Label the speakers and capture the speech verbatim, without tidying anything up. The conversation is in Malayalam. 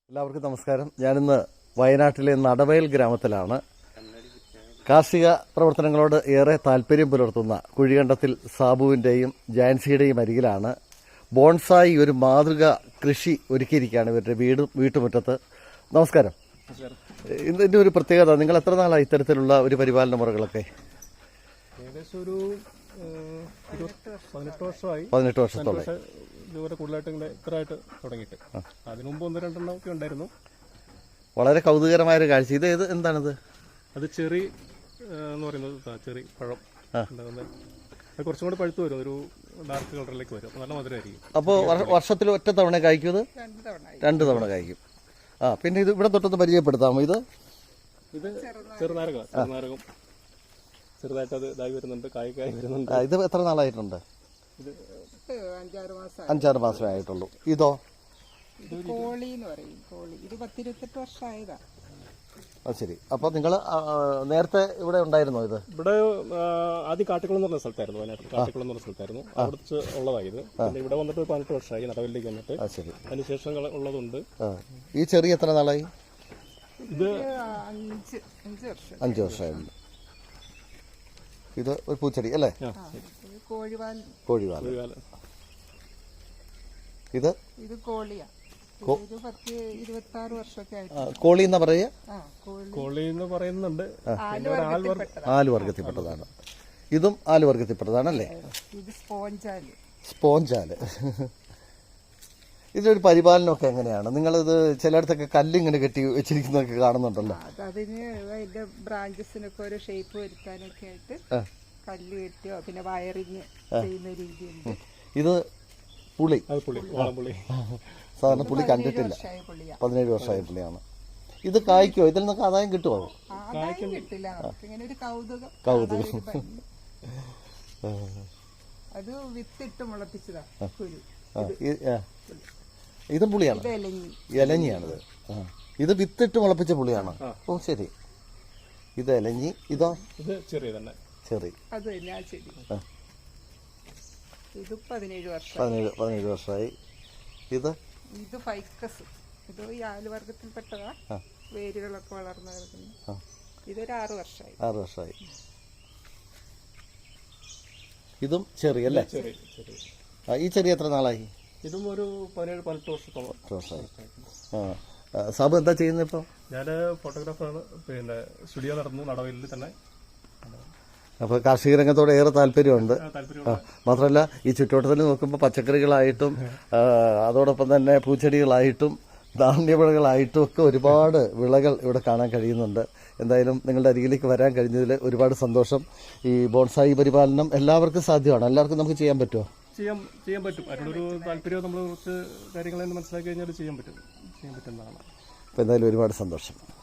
Speaker 1: എല്ലാവർക്കും നമസ്കാരം. ഞാനിന്ന് വയനാട്ടിലെ നടവയൽ ഗ്രാമത്തിലാണ്. കാർഷിക പ്രവർത്തനങ്ങളോട് ഏറെ താല്പര്യം പുലർത്തുന്ന കുഴികണ്ടത്തിൽ സാബുവിൻ്റെയും ജാൻസിയുടെയും അരികിലാണ് ബോൺസായി ഒരു മാതൃക കൃഷി ഒരുക്കിയിരിക്കുകയാണ് ഇവരുടെ വീട് വീട്ടുമുറ്റത്ത്. നമസ്കാരം. ഇതിൻ്റെ ഒരു പ്രത്യേകത, നിങ്ങൾ എത്ര നാളാണ് ഇത്തരത്തിലുള്ള ഒരു പരിപാലന മുറകളൊക്കെ?
Speaker 2: ഏകദേശം ഒരു പതിനെട്ട് വർഷമായി.
Speaker 1: പതിനെട്ട് വർഷത്തോളം
Speaker 2: ഇതുവരെ കൂടുതലായിട്ട് ഇങ്ങനെ ഇത്രയായിട്ട് തുടങ്ങിയിട്ട്. അതിനു മുമ്പ് ഒന്ന് രണ്ടെണ്ണം ഒക്കെ ഉണ്ടായിരുന്നു.
Speaker 1: വളരെ കൗതുകരമായൊരു കാഴ്ച. ഇത് ഏത് എന്താണിത്?
Speaker 2: അത് ചെറി എന്ന് പറയുന്നത് ചെറി പഴം ഉണ്ടാകുന്നത്. അത് കുറച്ചും കൂടി പഴുത്ത് വരും, ഒരു ഡാർക്ക് കളറിലേക്ക് വരും, നല്ല മധുരമായിരിക്കും.
Speaker 1: അപ്പോൾ വർഷത്തിൽ ഒറ്റ തവണ കായ്ക്കും? ഇത് രണ്ട് തവണ കായ്ക്കും. ആ, പിന്നെ ഇത് ഇവിടെ തൊട്ടൊന്ന് പരിചയപ്പെടുത്താമോ? ഇത്
Speaker 2: ഇത് ചെറുനാരകം ചെറുനാരകം ചെറുതായിട്ട് അത് ഇതായി വരുന്നുണ്ട്, കായ്ക്കായി വരുന്നുണ്ട്.
Speaker 1: ഇത് എത്ര നാളായിട്ടുണ്ട്?
Speaker 2: ഇത്
Speaker 1: അഞ്ചാറ് മാസമേ ആയിട്ടുള്ളൂ. ഇതോ?
Speaker 3: കോളി എന്ന് പറയും. കോളി ഇത് പത്തിരുപത്തെട്ട് വർഷമായതാ.
Speaker 1: അത് ശരി. അപ്പോൾ നിങ്ങൾ നേരത്തെ ഇവിടെ ഉണ്ടായിരുന്നോ? ഇത്
Speaker 2: ഇവിടെ ആദ്യം കാട്ടിക്കുളം എന്ന് പറഞ്ഞ സ്ഥലത്തായിരുന്നു, വയനാട്ടിൽ കാട്ടിക്കുളം എന്ന് പറഞ്ഞ സ്ഥലത്തായിരുന്നു. അവിടെ ഉള്ളതായി ഇത്. പിന്നെ ഇവിടെ വന്നിട്ട് പതിനെട്ട് വർഷമായി നടവലിലേക്ക് വന്നിട്ട്.
Speaker 1: ശരി.
Speaker 2: അതിനുശേഷം ഉള്ളതുണ്ട്.
Speaker 1: ഈ ചെറിയ എത്ര നാളായി?
Speaker 2: ഇത്
Speaker 3: അഞ്ച് അഞ്ച് വർഷം
Speaker 1: അഞ്ച് വർഷമായിരുന്നു. ഇത് ഒരു പൂച്ചെടി അല്ലേ?
Speaker 3: കോഴിവാൽ
Speaker 1: കോഴിവാൽ. ഇത്
Speaker 3: ഇത് കോളിയാ. ഒരു പത്ത് ഇരുപത്തി ആറ് വർഷമൊക്കെ ആയിട്ട്.
Speaker 1: കോളി എന്നാ പറയുക?
Speaker 2: കോളി എന്ന് പറയുന്നുണ്ട്.
Speaker 1: ആല് വർഗത്തിൽപ്പെട്ടതാണ്. ഇതും ആല് വർഗത്തിൽപ്പെട്ടതാണല്ലേ?
Speaker 3: ഇത് സ്പോഞ്ചാല്.
Speaker 1: സ്പോഞ്ചാല്. ഇതിനൊരു പരിപാലനമൊക്കെ എങ്ങനെയാണ്? നിങ്ങളിത് ചിലയിടത്തൊക്കെ കല്ലിങ്ങനെ കെട്ടി വെച്ചിരിക്കുന്നതൊക്കെ കാണുന്നുണ്ടല്ലോ.
Speaker 3: അതിന് അതിന്റെ ബ്രാഞ്ചസിനൊക്കെ ഒരു ഷേപ്പ് വരുത്താനൊക്കെ ആയിട്ട് കല്ല് കെട്ടിയോ പിന്നെ വയറിങ് ചെയ്യുന്ന രീതിയുണ്ട്.
Speaker 1: ഇത് പുളി.
Speaker 2: പുളി
Speaker 1: സാധാരണ പുളി കണ്ടിട്ടില്ല. പതിനേഴ് വർഷമായ പുളിയാണ്. ഇത് കായ്ക്കോ? ഇതിൽ നിന്നൊക്കെ ആദായം കിട്ടുമോ?
Speaker 3: കിട്ടില്ല. ഇങ്ങനെ ഒരു കൗതുകം
Speaker 1: കൗതുകം
Speaker 3: അത് വിത്തിട്ട് മുളപ്പിച്ചതാ.
Speaker 1: ഇതും പുളിയാണ്. ഇലഞ്ഞിയാണിത്. ഇത് വിത്തിട്ട് മുളപ്പിച്ച പുളിയാണ്. ഓ ശരി. ഇത് ഇലഞ്ഞി. ഇതോ?
Speaker 2: ഇത് ചെറിയ തന്നെ
Speaker 1: ചെറി.
Speaker 3: അത് തന്നെ ആ ചെടി. ഇത് പതിനേഴ് വർഷം
Speaker 1: പതിനേഴ് പതിനേഴ് വർഷമായി. ഇത്
Speaker 3: ഇത് ഫൈക്കസ്. ഇത് ഈ ആലുവർഗത്തിൽപ്പെട്ടതാ. വേരുകളൊക്കെ വളർന്നു കിടക്കുന്നു. ഇതൊരു ആറു വർഷമായി.
Speaker 1: ആറു വർഷമായി. ഇതും ചെറിയല്ലേ? ഈ ചെറിയ എത്ര നാളായി?
Speaker 2: ഇതും ഒരു പതിനേഴ് പതിനെട്ട് വർഷത്തോളം
Speaker 1: വർഷമായി. ആ, സാബു എന്താ ചെയ്യുന്നത് ഇപ്പം?
Speaker 2: ഞാൻ ഫോട്ടോഗ്രാഫറാണ്. പിന്നെ സ്റ്റുഡിയോ നടന്നു നടവലിൽ തന്നെ.
Speaker 1: അപ്പോൾ കാർഷിക രംഗത്തോട് ഏറെ താല്പര്യമുണ്ട്. മാത്രമല്ല ഈ ചുറ്റുവട്ടത്തിൽ നോക്കുമ്പോൾ പച്ചക്കറികളായിട്ടും അതോടൊപ്പം തന്നെ പൂച്ചെടികളായിട്ടും ധാന്യവിളകളായിട്ടും ഒക്കെ ഒരുപാട് വിളകൾ ഇവിടെ കാണാൻ കഴിയുന്നുണ്ട്. എന്തായാലും നിങ്ങളുടെ അരികിലേക്ക് വരാൻ കഴിഞ്ഞതിൽ ഒരുപാട് സന്തോഷം. ഈ ബോൺസായി പരിപാലനം എല്ലാവർക്കും സാധ്യമാണ്. എല്ലാവർക്കും നമുക്ക് ചെയ്യാൻ പറ്റുമോ?
Speaker 2: ചെയ്യാൻ ചെയ്യാൻ പറ്റും. അതിനൊരു താല്പര്യം നമ്മൾ കുറച്ച് കാര്യങ്ങളെന്ന് മനസ്സിലാക്കി കഴിഞ്ഞാൽ ചെയ്യാൻ പറ്റും ചെയ്യാൻ പറ്റുന്നതാണ്.
Speaker 1: അപ്പോൾ എന്തായാലും ഒരുപാട് സന്തോഷം.